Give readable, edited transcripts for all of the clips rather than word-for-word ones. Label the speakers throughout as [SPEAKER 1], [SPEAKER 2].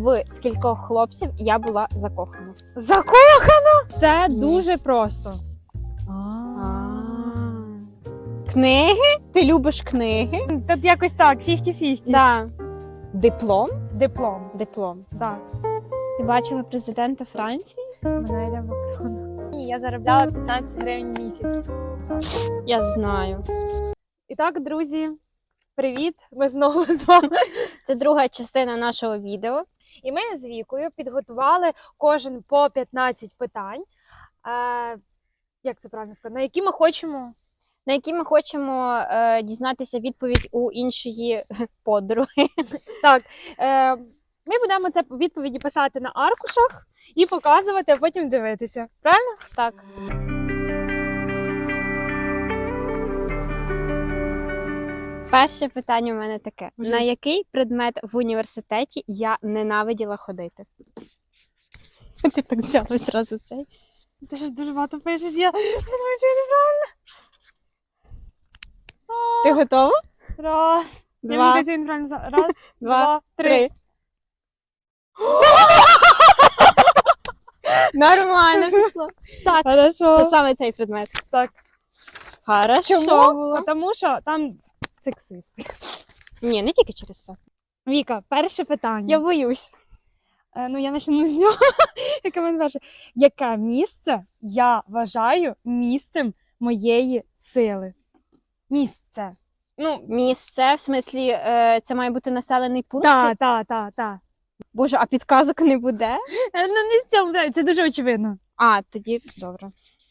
[SPEAKER 1] в скількох хлопців я була закохана?
[SPEAKER 2] Закохана? Це
[SPEAKER 1] Ні.
[SPEAKER 2] дуже просто.
[SPEAKER 1] Книги? Ти любиш книги?
[SPEAKER 2] Тут якось так, 50-50.
[SPEAKER 1] Да. Диплом?
[SPEAKER 2] Диплом.
[SPEAKER 1] Диплом.
[SPEAKER 2] Да.
[SPEAKER 1] Ти бачила президента Франції?
[SPEAKER 2] Мене Макрона. Я заробляла 15 гривень в місяць.
[SPEAKER 1] Я знаю.
[SPEAKER 2] І так, друзі, привіт! Ми знову з вами.
[SPEAKER 1] Це друга частина нашого відео.
[SPEAKER 2] І ми з Вікою підготували кожен по 15 питань. Як це правильно сказати?
[SPEAKER 1] На які ми хочемо дізнатися відповідь у іншої подруги.
[SPEAKER 2] Так, ми будемо це відповіді писати на аркушах і показувати, а потім дивитися. Правильно?
[SPEAKER 1] Так. Перше питання у мене таке.
[SPEAKER 2] Вже.
[SPEAKER 1] На який предмет в університеті я ненавиділа ходити? Ти так взяла зразу цей.
[SPEAKER 2] Ти ж дуже багато пишеш, я думаю, що неправильно.
[SPEAKER 1] Ти готова?
[SPEAKER 2] Раз. Я
[SPEAKER 1] Два.
[SPEAKER 2] мені це неправильно взяла. Раз,
[SPEAKER 1] Два,
[SPEAKER 2] три.
[SPEAKER 1] три. Нормально пішло. Так,
[SPEAKER 2] Хорошо.
[SPEAKER 1] це саме цей предмет.
[SPEAKER 2] Так.
[SPEAKER 1] Хорошо
[SPEAKER 2] Чому?
[SPEAKER 1] було.
[SPEAKER 2] Тому що там сексист.
[SPEAKER 1] Ні, не тільки через це.
[SPEAKER 2] Віка, перше питання.
[SPEAKER 1] Я боюсь.
[SPEAKER 2] Я почну з нього. Яке мене перше. Яке місце я вважаю місцем моєї сили? Місце.
[SPEAKER 1] Місце, в смислі, це має бути населений пункт?
[SPEAKER 2] Так.
[SPEAKER 1] Боже, а підказок не буде?
[SPEAKER 2] Не в цьому, це дуже очевидно.
[SPEAKER 1] А, тоді добре.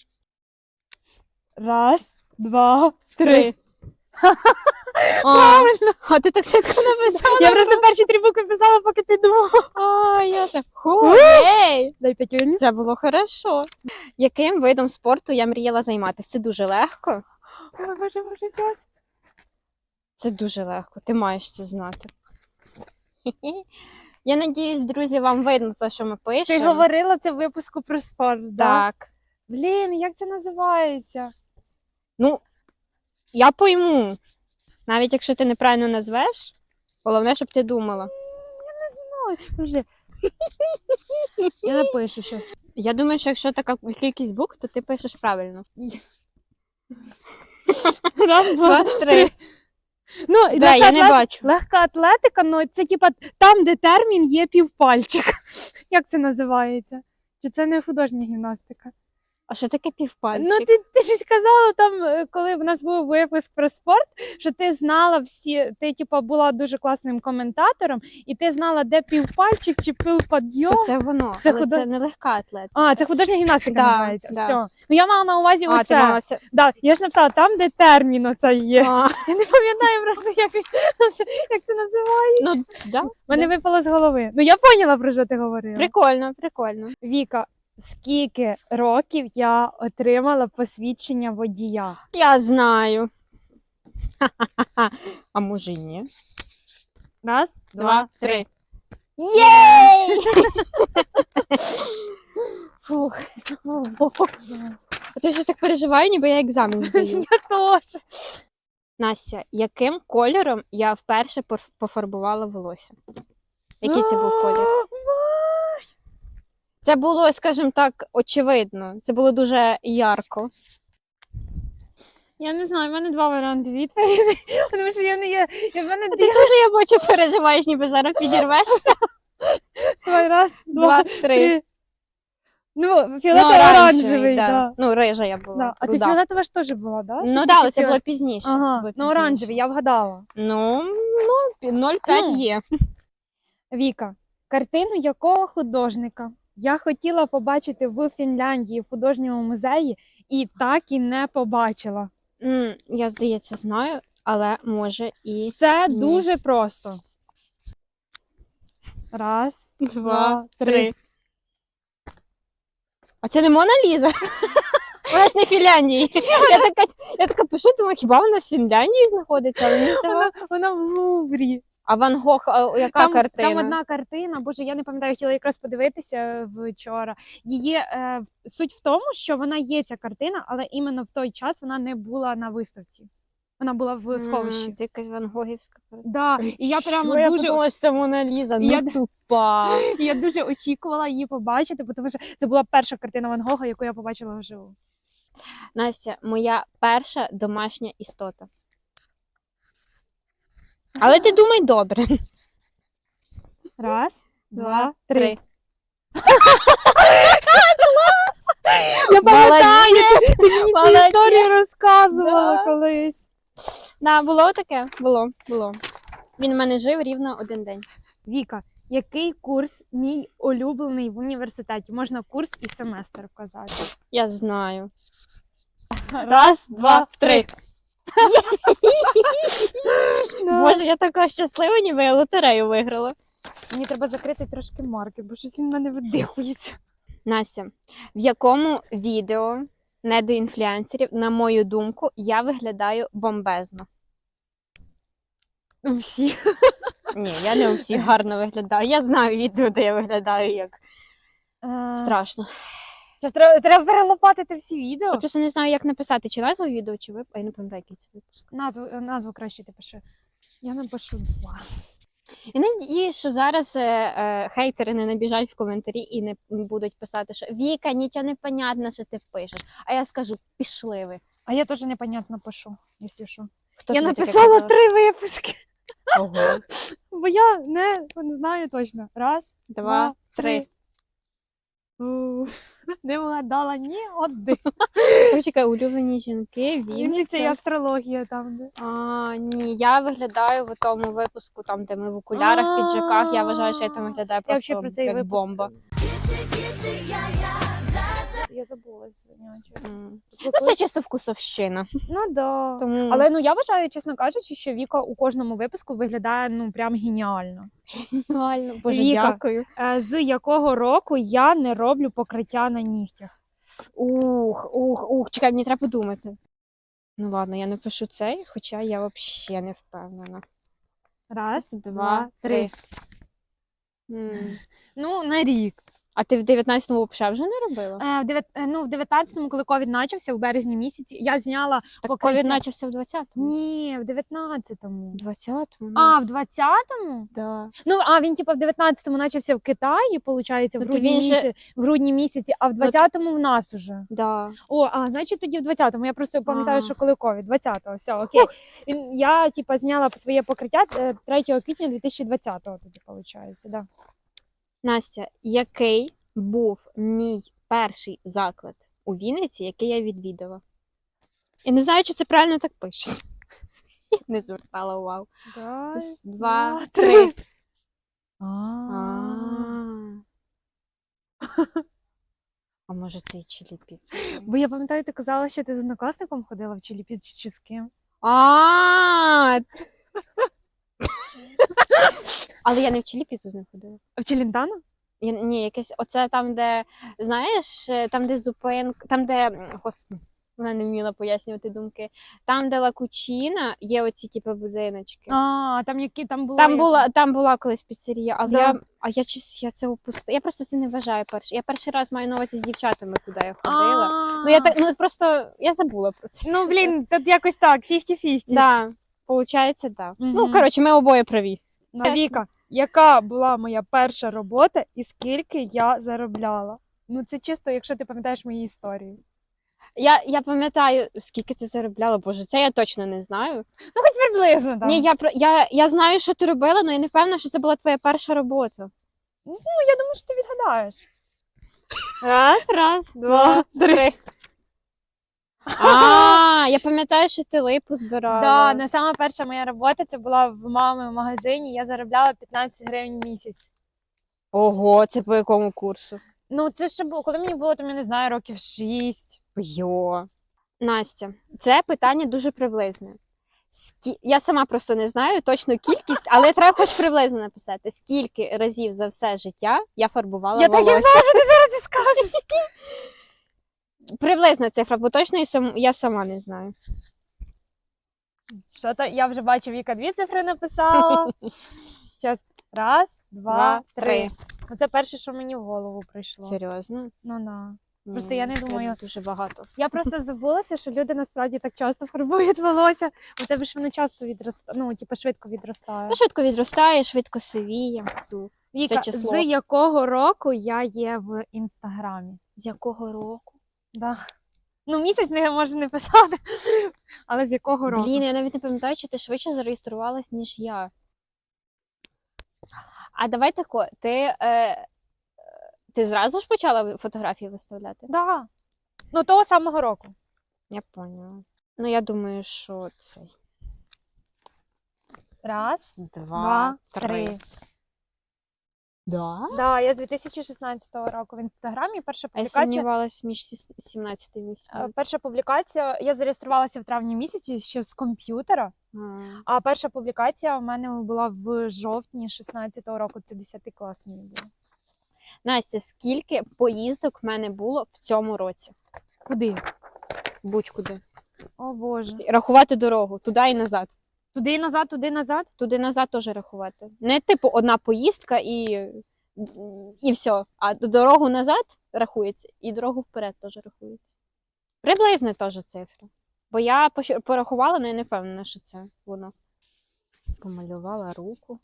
[SPEAKER 2] Раз, два, три.
[SPEAKER 1] Правильно. А ти так швидко написала?
[SPEAKER 2] Я просто перші 3 букви писала, поки ти думала.
[SPEAKER 1] А, я так. Ей!
[SPEAKER 2] Дай п'ятюрні.
[SPEAKER 1] Це було хорошо. Яким видом спорту я мріяла займатися? Це дуже легко.
[SPEAKER 2] Ой, боже, щас.
[SPEAKER 1] Це дуже легко. Ти маєш це знати. Я надіюсь, друзі, вам видно те, що ми
[SPEAKER 2] Ти
[SPEAKER 1] пишемо.
[SPEAKER 2] говорила це в випуску про спорт, да?
[SPEAKER 1] Так.
[SPEAKER 2] Блін, як це називається?
[SPEAKER 1] Ну, я пойму. Навіть якщо ти неправильно назвеш, головне, щоб ти думала.
[SPEAKER 2] Подожди. Я напишу щось.
[SPEAKER 1] Я думаю, що якщо така кількість букв, то ти пишеш правильно.
[SPEAKER 2] Раз, два, три. Ну, і
[SPEAKER 1] Да, я не бачу.
[SPEAKER 2] легка атлетика, ну це типа там, де термін є півпальчика. Як це називається? Чи це не художня гімнастика?
[SPEAKER 1] А що таке півпальчик?
[SPEAKER 2] Ну, ти ж сказала там, коли в нас був випуск про спорт, що ти знала всі, ти типа була дуже класним коментатором, і ти знала, де півпальчик чи півпадйом.
[SPEAKER 1] То це воно,
[SPEAKER 2] Це
[SPEAKER 1] але це не легка атлетика.
[SPEAKER 2] А, це художня гімнастика
[SPEAKER 1] Да,
[SPEAKER 2] називається.
[SPEAKER 1] да.
[SPEAKER 2] Все. Ну я мала на увазі
[SPEAKER 1] А, ти
[SPEAKER 2] оце.
[SPEAKER 1] мала це...
[SPEAKER 2] Да, я ж написала там, де термін оце є.
[SPEAKER 1] А,
[SPEAKER 2] Я не пам'ятаю просто, як це називається.
[SPEAKER 1] ну, да.
[SPEAKER 2] Мене випало з голови. Ну я поняла, про що ти говорила.
[SPEAKER 1] Прикольно, прикольно.
[SPEAKER 2] Віка, скільки років я отримала посвідчення водія?
[SPEAKER 1] Я знаю. А може й ні?
[SPEAKER 2] Раз,
[SPEAKER 1] Два, три.
[SPEAKER 2] Єй!
[SPEAKER 1] Фух. А ти вже так переживаю, ніби я екзамен здаю.
[SPEAKER 2] Я теж.
[SPEAKER 1] Настя, яким кольором я вперше пофарбувала волосся? Який це був колір? Це було, скажімо так, очевидно. Це було дуже ярко.
[SPEAKER 2] Я не знаю, в мене 2 варіанти відповіді. Тому що я не є.
[SPEAKER 1] Ти дуже, я бачу, переживаєш, ніби зараз підірвешся.
[SPEAKER 2] Раз, два,
[SPEAKER 1] 2, 3.
[SPEAKER 2] три. Ну, фіолетово-оранжевий,
[SPEAKER 1] да.
[SPEAKER 2] да.
[SPEAKER 1] Ну, рижа я була.
[SPEAKER 2] Да. А ти
[SPEAKER 1] руда.
[SPEAKER 2] фіолетова ж теж була, да?
[SPEAKER 1] Ну так, це було пізніше. Це
[SPEAKER 2] Ага,
[SPEAKER 1] було
[SPEAKER 2] ну
[SPEAKER 1] пізніше.
[SPEAKER 2] оранжевий, я вгадала.
[SPEAKER 1] Ну, 0,5
[SPEAKER 2] Ну.
[SPEAKER 1] є.
[SPEAKER 2] Віка, картину якого художника я хотіла побачити в Фінляндії в художньому музеї і так і не побачила.
[SPEAKER 1] Я, здається, знаю, але може і...
[SPEAKER 2] Це
[SPEAKER 1] Ні.
[SPEAKER 2] дуже просто. Раз,
[SPEAKER 1] 2, 3.
[SPEAKER 2] 3.
[SPEAKER 1] А це не Мона Ліза? Вона ж не в Фінляндії. Я така пишу, думаю, хіба вона в Фінляндії знаходиться? Але мені здавалося.
[SPEAKER 2] Вона в Луврі.
[SPEAKER 1] А Ван Гог, яка картина?
[SPEAKER 2] Там одна картина, боже, я не пам'ятаю, хотіла якраз подивитися вчора. Її суть в тому, що вона є ця картина, але іменно в той час вона не була на виставці. Вона була в сховищі.
[SPEAKER 1] Це якась Ван Гогівська.
[SPEAKER 2] Да. І я прямо
[SPEAKER 1] Що? Я
[SPEAKER 2] дуже
[SPEAKER 1] подумала, що це Мона Ліза.
[SPEAKER 2] Я-
[SPEAKER 1] Ну, тупа.
[SPEAKER 2] І я дуже очікувала її побачити, тому що це була перша картина Ван Гога, яку я побачила вживу.
[SPEAKER 1] Настя, моя перша домашня істота. Але ти думай добре.
[SPEAKER 2] Раз,
[SPEAKER 1] Два, три.
[SPEAKER 2] Я пам'ятаю,
[SPEAKER 1] Молодець!
[SPEAKER 2] ти мені цю
[SPEAKER 1] Молодець!
[SPEAKER 2] історію розказувала
[SPEAKER 1] Да.
[SPEAKER 2] колись.
[SPEAKER 1] Да, було таке? Було. Він в мене жив рівно 1 день.
[SPEAKER 2] Віка, який курс мій улюблений в університеті? Можна курс і семестр вказати.
[SPEAKER 1] Я знаю. Раз, два, три. Боже, я така щаслива, ніби я лотерею виграла.
[SPEAKER 2] Мені треба закрити трошки марки, бо щось він в мене видихується.
[SPEAKER 1] Настя, в якому відео не до інфлюенсерів, на мою думку, я виглядаю бомбезно?
[SPEAKER 2] Всі.
[SPEAKER 1] Ні, я не у всіх гарно виглядаю. Я знаю відео, де я виглядаю як страшно.
[SPEAKER 2] Щас треба перелопатити всі відео.
[SPEAKER 1] Я просто не знаю, як написати, чи назву відео, чи випуск. Я не пам'ятаю, який це випуск.
[SPEAKER 2] Назву краще ти пиши. Я напишу 2.
[SPEAKER 1] І надіюсь, що зараз хейтери не набіжать в коментарі і не будуть писати, що Віка, нічого не понятно, що ти пишеш. А я скажу, пішли ви.
[SPEAKER 2] А я теж непонятно пишу, якщо що.
[SPEAKER 1] Хто
[SPEAKER 2] Я
[SPEAKER 1] тобі таке
[SPEAKER 2] написала
[SPEAKER 1] казав?
[SPEAKER 2] 3 випуски,
[SPEAKER 1] Ого.
[SPEAKER 2] бо я не знаю точно. Раз,
[SPEAKER 1] 2, 3.
[SPEAKER 2] Не вгадала ні один.
[SPEAKER 1] Почекай, улюблені жінки,
[SPEAKER 2] Це
[SPEAKER 1] Вінниця.
[SPEAKER 2] астрологія там. Де.
[SPEAKER 1] Ні, я виглядаю в тому випуску, там, де ми в окулярах, піджаках. Я вважаю, що я там виглядаю
[SPEAKER 2] Я взагалі
[SPEAKER 1] просто
[SPEAKER 2] про цей
[SPEAKER 1] як
[SPEAKER 2] випуск
[SPEAKER 1] бомба.
[SPEAKER 2] Я забулась за нього, чесно.
[SPEAKER 1] Ну, це чисто вкусовщина.
[SPEAKER 2] Ну да.
[SPEAKER 1] Тому...
[SPEAKER 2] Але я вважаю, чесно кажучи, що Віка у кожному випуску виглядає прям геніально.
[SPEAKER 1] Реально, Боже,
[SPEAKER 2] Віка.
[SPEAKER 1] дякую.
[SPEAKER 2] З якого року я не роблю покриття на нігтях?
[SPEAKER 1] Чекай, мені треба подумати. Ну ладно, я напишу цей, хоча я взагалі не впевнена.
[SPEAKER 2] Раз,
[SPEAKER 1] 2, 3.
[SPEAKER 2] На рік.
[SPEAKER 1] А ти в 19-му взагалі вже не робила?
[SPEAKER 2] В 19-му, коли ковід почався, в березні місяці, я зняла
[SPEAKER 1] Так
[SPEAKER 2] покриття.
[SPEAKER 1] ковід почався в 20-му.
[SPEAKER 2] Ні, в 19-му.
[SPEAKER 1] В 20-му?
[SPEAKER 2] А, в 20-му?
[SPEAKER 1] Да.
[SPEAKER 2] Він в 19-му почався в Китаї, виходить,
[SPEAKER 1] Ну, то він же-
[SPEAKER 2] в грудні місяці, а в 20-му в нас уже.
[SPEAKER 1] Да.
[SPEAKER 2] Значить тоді в 20-му. Я просто пам'ятаю,
[SPEAKER 1] А.
[SPEAKER 2] що коли ковід, 20-го, все, окей. Я, зняла своє покриття 3 квітня 2020-го тоді, виходить, да.
[SPEAKER 1] Настя, який був мій перший заклад у Вінниці, який я відвідала? І не знаю, чи це правильно так пише. Я не звертала увагу.
[SPEAKER 2] Раз,
[SPEAKER 1] 2, 3. А може це і чилі піца?
[SPEAKER 2] Бо я пам'ятаю, ти казала, що ти з однокласником ходила в Чилі чи з ким?
[SPEAKER 1] Але я не в чилі піцу з ним ходила.
[SPEAKER 2] В Челентано?
[SPEAKER 1] Ні, якесь оце там, де, знаєш, там, де зупинка, там, де, господи, вона не вміла пояснювати думки. Там, де Ла Кучіна, є оці, типу, будиночки. Там була колись піцерія, але
[SPEAKER 2] Да.
[SPEAKER 1] я це опустила. Я просто це не вважаю перше. Я перший раз маю на увазі з дівчатами, куди я ходила. Просто я забула про це.
[SPEAKER 2] Тут якось так, 50-50.
[SPEAKER 1] Да, получається, так.
[SPEAKER 2] Мгм.
[SPEAKER 1] Ну, коротше, ми обоє праві.
[SPEAKER 2] Віка, яка була моя перша робота і скільки я заробляла? Це чисто, якщо ти пам'ятаєш мої історії.
[SPEAKER 1] Я пам'ятаю, скільки ти заробляла, боже, це я точно не знаю.
[SPEAKER 2] Хоч приблизно, так.
[SPEAKER 1] Ні, я знаю, що ти робила, але я не впевнена, що це була твоя перша робота.
[SPEAKER 2] Я думаю, що ти відгадаєш.
[SPEAKER 1] Раз,
[SPEAKER 2] два, три.
[SPEAKER 1] Я пам'ятаю, що ти липу збирала.
[SPEAKER 2] Да, сама перша моя робота, це була в мами в магазині, я заробляла 15 гривень в місяць.
[SPEAKER 1] Ого, це по якому курсу?
[SPEAKER 2] Це ще було, коли мені було, я не знаю, років 6.
[SPEAKER 1] Йо. Настя, це питання дуже приблизне. Я сама просто не знаю точну кількість, але треба хоч приблизно написати, скільки разів за все життя я фарбувала
[SPEAKER 2] Я так і
[SPEAKER 1] волосся.
[SPEAKER 2] знаю, що ти зараз і скажеш.
[SPEAKER 1] Приблизна цифра, бо точно я сама не знаю.
[SPEAKER 2] Я вже бачу, Віка 2 цифри написала. Зараз. Раз, два, три. Це перше, що мені в голову прийшло.
[SPEAKER 1] Серйозно?
[SPEAKER 2] Ну. Просто я не думаю.
[SPEAKER 1] Дуже багато.
[SPEAKER 2] Я просто забулася, що люди насправді так часто фарбують волосся. У тебе ж воно часто відростає, ну, типу, швидко відростає.
[SPEAKER 1] Та швидко відростає, швидко сивіє.
[SPEAKER 2] Віка,
[SPEAKER 1] число.
[SPEAKER 2] з якого року я є в Інстаграмі?
[SPEAKER 1] З якого року?
[SPEAKER 2] Да. Ну, місяць не може не писати, але з якого року?
[SPEAKER 1] Блін, я навіть не пам'ятаю, чи ти швидше зареєструвалась, ніж я. А давай тако, ти зразу ж почала фотографії виставляти?
[SPEAKER 2] Да. Ну, того самого року.
[SPEAKER 1] Я поняла. Ну, я думаю, що цей.
[SPEAKER 2] Раз,
[SPEAKER 1] Два,
[SPEAKER 2] три.
[SPEAKER 1] Да?
[SPEAKER 2] Да, я з 2016 року в Інстаграмі. Перша
[SPEAKER 1] А я
[SPEAKER 2] публікація.
[SPEAKER 1] сумнівалась між 17 і 18.
[SPEAKER 2] Перша публікація, я зареєструвалася в травні місяці ще з комп'ютера, а перша публікація у мене була в жовтні 16-го року, це 10 клас мені було.
[SPEAKER 1] Настя, скільки поїздок в мене було в цьому році?
[SPEAKER 2] Куди?
[SPEAKER 1] Будь-куди.
[SPEAKER 2] О Боже.
[SPEAKER 1] Рахувати дорогу, туди і назад.
[SPEAKER 2] Туди і назад, туди і назад?
[SPEAKER 1] Туди назад теж рахувати. Не типу одна поїздка і все. А дорогу назад рахується, і дорогу вперед теж рахується. Приблизно теж цифра. Бо я порахувала, але я не впевнена, що це воно. Помалювала руку.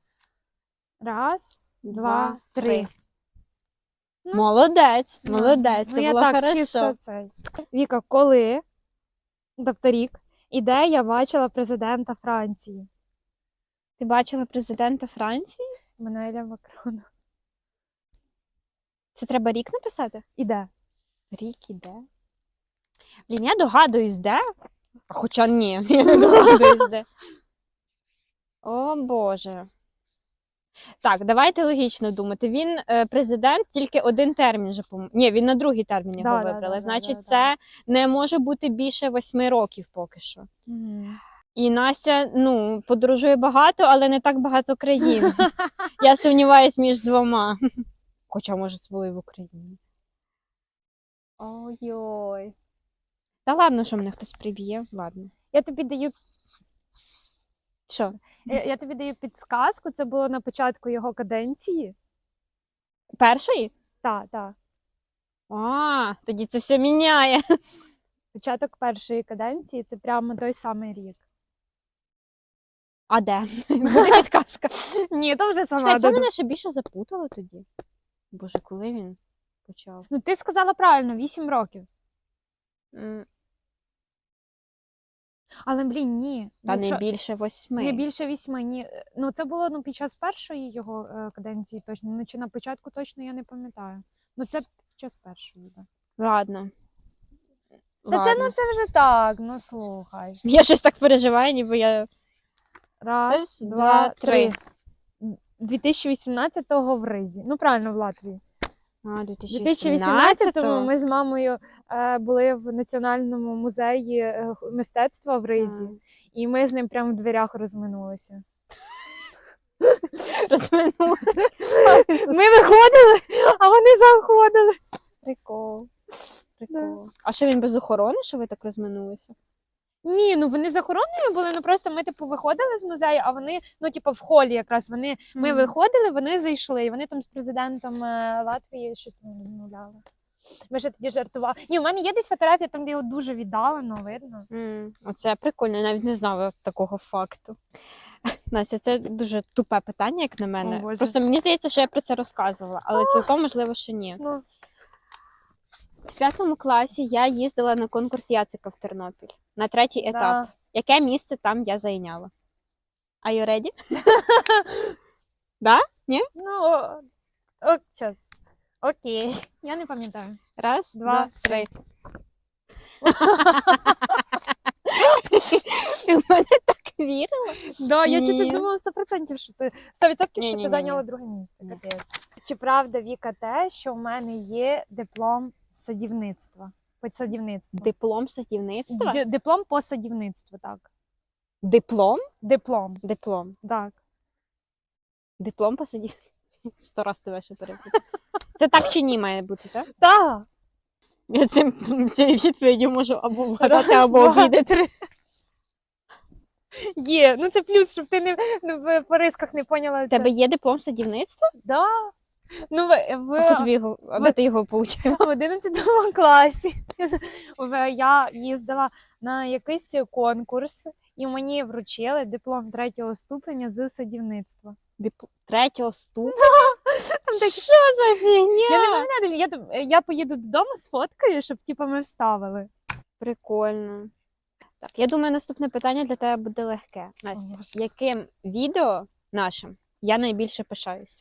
[SPEAKER 2] Раз, два, три. Ну,
[SPEAKER 1] Молодець, молодець, це
[SPEAKER 2] я
[SPEAKER 1] було
[SPEAKER 2] так,
[SPEAKER 1] хорошо.
[SPEAKER 2] чисто цей. Віка, коли, тобто рік, і де я бачила президента Франції?
[SPEAKER 1] Ти бачила президента Франції?
[SPEAKER 2] Еммануеля Макрона.
[SPEAKER 1] Це треба рік написати?
[SPEAKER 2] І де?
[SPEAKER 1] Рік іде. Блін, я догадуюсь, де? Хоча ні, я не догадуюсь, де. О, Боже. Так, давайте логічно думати. Він президент тільки один термін же Ні, він на другий термін його вибрали. Значить, це не може бути більше 8 років поки що. І Настя, ну, подорожує багато, але не так багато країн. Я сумніваюсь між двома. Хоча, може, це було і в Україні. Ой-ой. Та ладно, що мене хтось приб'є. Ладно.
[SPEAKER 2] Я тобі даю
[SPEAKER 1] Що?
[SPEAKER 2] Я тобі даю підсказку, це було на початку його каденції.
[SPEAKER 1] Першої?
[SPEAKER 2] Так.
[SPEAKER 1] А, тоді це все міняє.
[SPEAKER 2] Початок першої каденції це прямо той самий рік.
[SPEAKER 1] А де? Буде підказка.
[SPEAKER 2] Ні, то вже сама.
[SPEAKER 1] Чекай, це мене ще більше запутало тоді. Боже, коли він почав?
[SPEAKER 2] Ну, ти сказала правильно, 8 років. Але, блін, ні.
[SPEAKER 1] Та не більше 8.
[SPEAKER 2] Не більше 8, ні. Ну, це було під час першої його каденції точно. Ну, чи на початку точно, я не пам'ятаю. Ну, це під час першої, так.
[SPEAKER 1] Ладно.
[SPEAKER 2] Та це вже так, ну слухай.
[SPEAKER 1] Я щось так переживаю, ніби я...
[SPEAKER 2] Раз, два, три. 2018-го в Ризі. Ну, правильно, в Латвії.
[SPEAKER 1] А,
[SPEAKER 2] 2018-му ми з мамою були в Національному музеї мистецтва в Ризі. І ми з ним прямо в дверях розминулися.
[SPEAKER 1] Розминулися?
[SPEAKER 2] Ми виходили, а вони заходили.
[SPEAKER 1] Прикол. А що, він без охорони, що ви так розминулися?
[SPEAKER 2] Ні, ну вони з охороною були, ну просто ми, типу, виходили з музею, а вони, ну, типу, в холі якраз, ми виходили, вони зайшли, і вони там з президентом Латвії щось там розмовляли. Ми ще тоді жартували. Ні, у мене є десь фотографія, там, де його дуже віддалено, видно.
[SPEAKER 1] Оце прикольно, я навіть не знала такого факту. Настя, це дуже тупе питання, як на мене. Просто мені здається, що я про це розказувала, але цілком можливо, що ні. В 5 класі я їздила на конкурс Яцика в Тернопіль на 3-й етап. Яке місце там я зайняла? Are you ready? Да? Ні?
[SPEAKER 2] Ну, час. Окей. Я не пам'ятаю.
[SPEAKER 1] Раз, два, три. Ти в мене так вірила?
[SPEAKER 2] Да, я чути думала 100%, що ти 100%, що ти зайняла друге місце. Капець. Чи правда, Віка, те, що в мене є диплом садівництва?
[SPEAKER 1] Диплом садівництва?
[SPEAKER 2] Диплом по садівництву, так.
[SPEAKER 1] Диплом?
[SPEAKER 2] Диплом.
[SPEAKER 1] Так. Диплом по садівництву? 100 раз тебе ще перепитаю. Це так чи ні має бути, так?
[SPEAKER 2] Так.
[SPEAKER 1] Я цією відповіддю можу або вгадати, або обідати.
[SPEAKER 2] Є, ну це плюс, щоб ти не по рисках не поняла.
[SPEAKER 1] У тебе є диплом садівництва?
[SPEAKER 2] Да. Ну,
[SPEAKER 1] А тут його, а де ти його получила?
[SPEAKER 2] в 11 класі я їздила на якийсь конкурс, і мені вручили диплом 3-го ступеня з садівництва.
[SPEAKER 1] Третього ступеня?
[SPEAKER 2] Там такі-
[SPEAKER 1] Що за фігня?
[SPEAKER 2] Я не пам'ятаю, я поїду додому з фоткою, щоб типу, ми вставили.
[SPEAKER 1] Прикольно. Так, я думаю, наступне питання для тебе буде легке. Настя,
[SPEAKER 2] Боже.
[SPEAKER 1] яким відео нашим я найбільше пишаюся?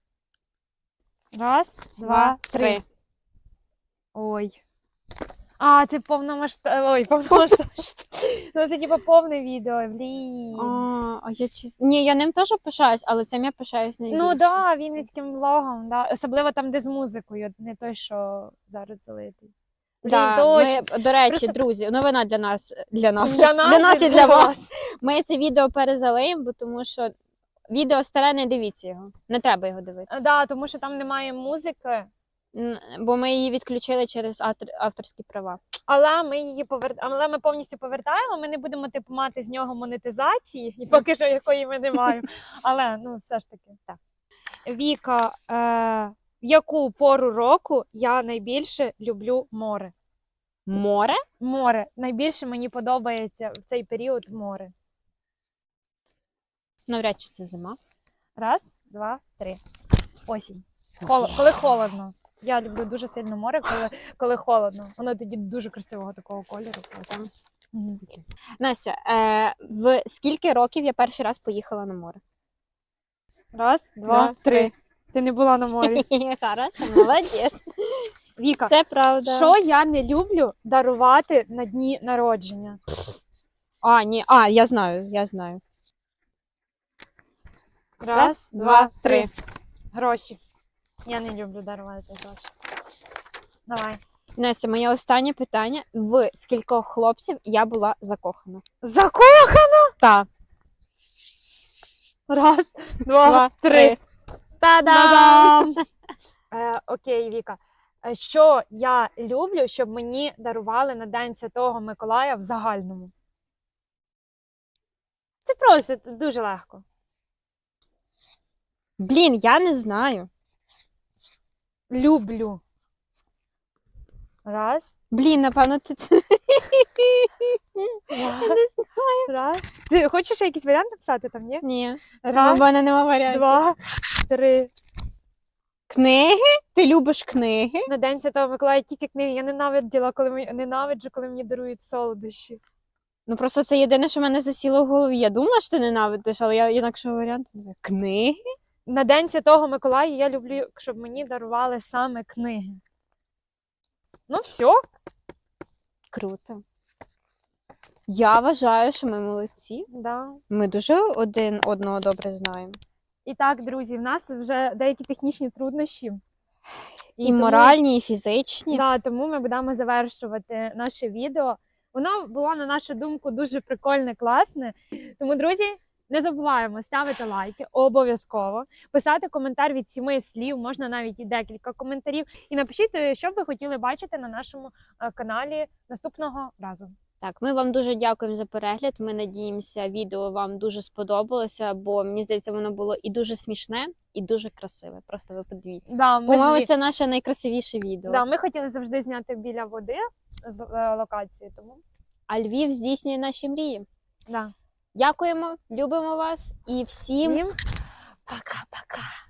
[SPEAKER 2] Раз, два, три. Ой. А, це повномасштабне. Ой, повномасштабне. Ну, це типу повне відео. Блін.
[SPEAKER 1] А я чесно. Ні, я ним теж пишаюсь, але цим я пишаюсь найбільше.
[SPEAKER 2] Ну да, вінницьким влогом, да. Особливо там, де з музикою, не той, що зараз залитий. Блін,
[SPEAKER 1] Да,
[SPEAKER 2] точно.
[SPEAKER 1] ми, до речі,
[SPEAKER 2] Просто-
[SPEAKER 1] друзі, новина для нас
[SPEAKER 2] Для нас
[SPEAKER 1] і для вас. Ми це відео перезалиємо, бо тому що відео старе, не дивіться його. Не треба його дивитися.
[SPEAKER 2] Да, тому що там немає музики,
[SPEAKER 1] Бо ми її відключили через авторські права.
[SPEAKER 2] але ми її але ми повністю повертаємо. Ми не будемо типу мати з нього монетизації, і поки що якої ми не маємо. Але ну все ж таки так. Віка, в яку пору року я найбільше люблю море?
[SPEAKER 1] Море?
[SPEAKER 2] Море. Найбільше мені подобається в цей період море.
[SPEAKER 1] Навряд чи це зима.
[SPEAKER 2] Раз, два, три. Осінь.
[SPEAKER 1] Є.
[SPEAKER 2] Коли холодно. Я люблю дуже сильно море, коли холодно. Воно тоді дуже красивого такого кольору.
[SPEAKER 1] Там.
[SPEAKER 2] Мгм.
[SPEAKER 1] Настя, в скільки років я перший раз поїхала на море?
[SPEAKER 2] Раз, два, три. Ти не була на морі.
[SPEAKER 1] Хорошо, молодець.
[SPEAKER 2] Віка,
[SPEAKER 1] Це правда.
[SPEAKER 2] що я не люблю дарувати на дні народження?
[SPEAKER 1] Ні, я знаю.
[SPEAKER 2] Раз, два, три. Гроші. Я не люблю дарувати гроші. Давай.
[SPEAKER 1] Настя, моє останнє питання. В скількох хлопців я була закохана?
[SPEAKER 2] Закохана!
[SPEAKER 1] Так.
[SPEAKER 2] Раз, два, три.
[SPEAKER 1] Та-дам!
[SPEAKER 2] Окей, Віка. Що я люблю, щоб мені дарували на День Святого Миколая в загальному? Це просто це дуже легко.
[SPEAKER 1] Блін, я не знаю.
[SPEAKER 2] Люблю. Раз.
[SPEAKER 1] Блін, напевно, ти це. Я не знаю.
[SPEAKER 2] Раз. Ти хочеш ще якийсь варіант написати там, ні?
[SPEAKER 1] Ні.
[SPEAKER 2] Раз,
[SPEAKER 1] У мене нема варіантів.
[SPEAKER 2] два, три.
[SPEAKER 1] Книги? Ти любиш книги?
[SPEAKER 2] На День Святого Миколая тільки книги. Я ненавиджу, коли мені дарують солодощі.
[SPEAKER 1] Ну просто це єдине, що в мене засіло в голові. Я думала, що ти ненавидиш, але я інакшого варіанту не знаю. Книги?
[SPEAKER 2] На День Святого Миколая я люблю, щоб мені дарували саме книги. Ну, все.
[SPEAKER 1] Круто. Я вважаю, що ми молодці.
[SPEAKER 2] Да.
[SPEAKER 1] Ми дуже один одного добре знаємо.
[SPEAKER 2] І так, друзі, в нас вже деякі технічні труднощі.
[SPEAKER 1] І
[SPEAKER 2] тому-
[SPEAKER 1] моральні, і фізичні.
[SPEAKER 2] Да, тому ми будемо завершувати наше відео. Воно було, на нашу думку, дуже прикольне, класне. Тому, друзі, не забуваємо ставити лайки обов'язково, писати коментар від 7 слів, можна навіть і декілька коментарів. І напишіть, що б ви хотіли бачити на нашому каналі наступного разу.
[SPEAKER 1] Так, ми вам дуже дякуємо за перегляд. Ми надіємося, відео вам дуже сподобалося, бо мені здається, воно було і дуже смішне, і дуже красиве. Просто ви подивіться.
[SPEAKER 2] Да,
[SPEAKER 1] По-моєму, це наше найкрасивіше відео.
[SPEAKER 2] Да, ми хотіли завжди зняти біля води з локації, тому
[SPEAKER 1] А Львів здійснює наші мрії.
[SPEAKER 2] да.
[SPEAKER 1] Дякуємо, любимо вас і всім
[SPEAKER 2] Всім пока-пока.